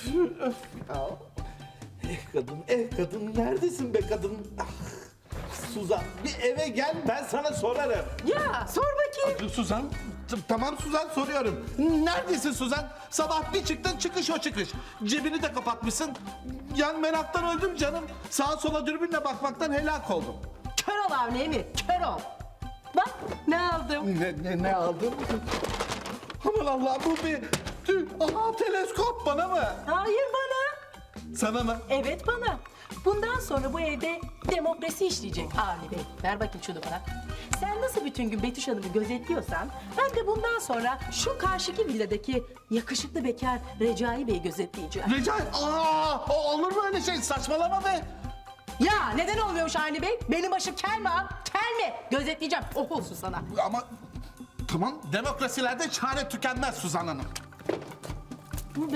öf ya. Kadın neredesin be kadın? Ah, Suzan bir eve gel ben sana sorarım. Ya sor bakayım. Suzan, tamam Suzan soruyorum. Neredesin Suzan? Sabah bir çıktın çıkış o çıkış. Cebini de kapatmışsın. Yani meraktan öldüm canım. Sağa sola dürbünle bakmaktan helak oldum. Kör ol Avni Emir, kör ol. Bak ne aldım. Ne aldın? Aman Allah bu bir... Aha teleskop bana mı? Hayır bana. Sana mı? Evet bana. Bundan sonra bu evde demokrasi işleyecek Avni Bey. Ver bakayım şunu bana. Sen nasıl bütün gün Betüş Hanım'ı gözetliyorsan... ...ben de bundan sonra şu karşıki villadaki yakışıklı bekar Recai Bey'i gözetleyeceğim. Recai, olur mu öyle şey? Saçmalama be. Ya neden olmuyormuş Avni Bey? Benim başım kel mi ha? Kel mi? Gözetleyeceğim. Oh olsun sana. Ama tamam demokrasilerde çare tükenmez Suzan Hanım. Bu be.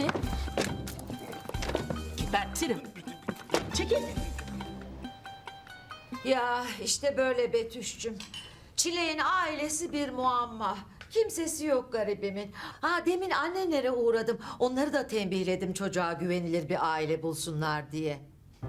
Gebertirim. Çekil. Ya işte böyle Betüş'cüm. Çileğin ailesi bir muamma. Kimsesi yok garibimin. Demin annenlere uğradım. Onları da tembihledim çocuğa güvenilir bir aile bulsunlar diye.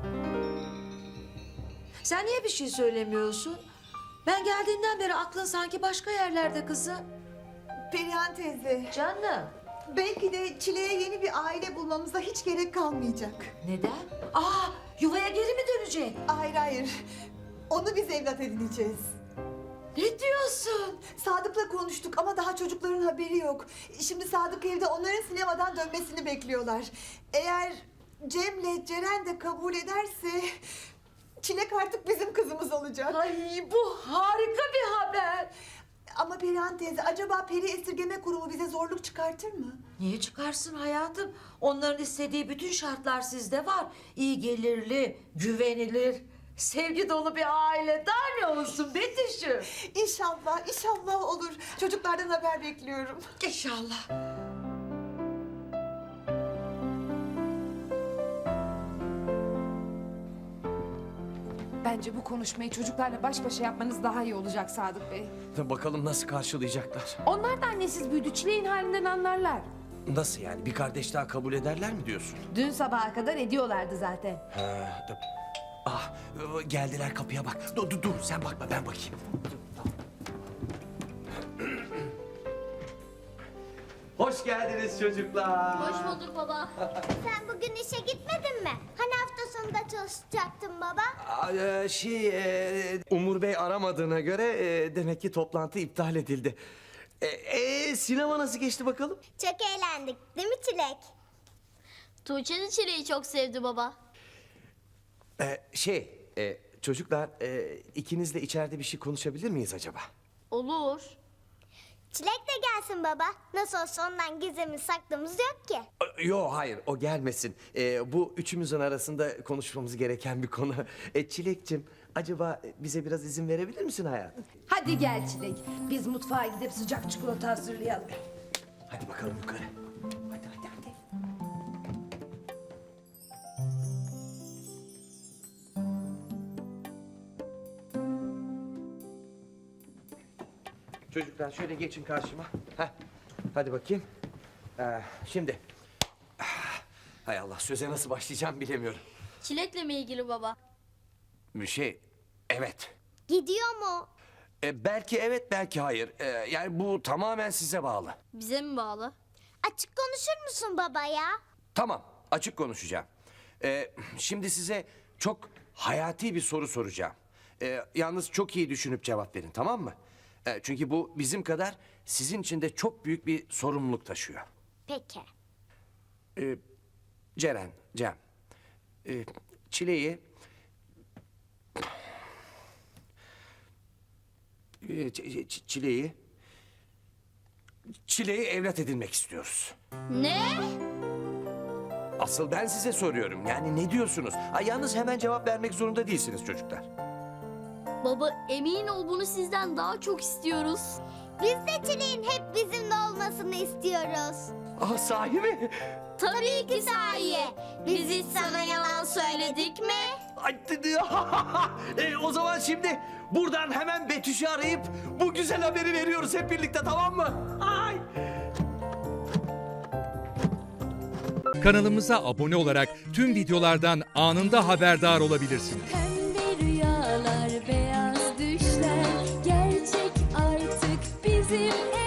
Sen niye bir şey söylemiyorsun? Ben geldiğinden beri aklın sanki başka yerlerde kızım. Perihan teyze, Canım. belki de Çile'ye yeni bir aile bulmamıza hiç gerek kalmayacak. Neden? Yuvaya geri mi dönecek? Hayır hayır, onu biz evlat edineceğiz. Ne diyorsun? Sadık'la konuştuk ama daha çocukların haberi yok. Şimdi Sadık evde onların sinemadan dönmesini bekliyorlar. Eğer Cem'le Ceren de kabul ederse... Çilek artık bizim kızımız olacak. Ay bu harika bir haber. Ama Perihan teyze, acaba Peri Esirgeme Kurumu bize zorluk çıkartır mı? Niye çıkarsın hayatım? Onların istediği bütün şartlar sizde var. İyi gelirli, güvenilir, sevgi dolu bir aile. Daha ne olsun Betüş'üm? İnşallah, inşallah olur. Çocuklardan haber bekliyorum. İnşallah. Bence bu konuşmayı çocuklarla baş başa yapmanız daha iyi olacak Sadık Bey. Bakalım nasıl karşılayacaklar? Onlar da annesiz büyüdü, Çileğin halinden anlarlar. Nasıl yani? Bir kardeş daha kabul ederler mi diyorsun? Dün sabaha kadar ediyorlardı zaten. Geldiler kapıya bak. Dur sen bakma ben bakayım. Hoş geldiniz çocuklar. Hoş bulduk baba. Sen bugün işe gitmedin mi? Hani hafta sonunda çalışacaktın baba? Umur Bey aramadığına göre demek ki toplantı iptal edildi. Sinema nasıl geçti bakalım? Çok eğlendik değil mi Çilek? Tuğçe de Çilek'i çok sevdi baba. Çocuklar ikinizle içeride bir şey konuşabilir miyiz acaba? Olur. Çilek de gelsin baba. Nasıl olsa ondan gizlimiz saklımız yok ki. Yo hayır o gelmesin. Bu üçümüzün arasında konuşmamız gereken bir konu. Çilekçim acaba bize biraz izin verebilir misin hayatım? Hadi gel Çilek, biz mutfağa gidip sıcak çikolata hazırlayalım. Hadi bakalım yukarı. Hadi. Çocuklar şöyle geçin karşıma. Hadi bakayım. Şimdi. Hay Allah söze nasıl başlayacağım bilemiyorum. Çilek'le mi ilgili baba? Evet. Gidiyor mu? Belki evet belki hayır. Yani bu tamamen size bağlı. Bize mi bağlı? Açık konuşur musun baba ya? Tamam, açık konuşacağım. Şimdi size çok hayati bir soru soracağım. Yalnız çok iyi düşünüp cevap verin, tamam mı? Çünkü bu bizim kadar sizin için de çok büyük bir sorumluluk taşıyor. Peki. Cem, Çile'yi... Çile'yi evlat edinmek istiyoruz. Ne? Asıl ben size soruyorum. Yani ne diyorsunuz? Yalnız hemen cevap vermek zorunda değilsiniz çocuklar. Baba emin ol bunu sizden daha çok istiyoruz. Biz de Çilek'in hep bizimle olmasını istiyoruz. Sahi mi? Tabii ki sahi. Biz hiç sana yalan söyledik mi? O zaman şimdi buradan hemen Betüş'ü arayıp bu güzel haberi veriyoruz hep birlikte, tamam mı? Ay! Kanalımıza abone olarak tüm videolardan anında haberdar olabilirsiniz. Pembe rüyalar, beyaz düşler gerçek artık bizim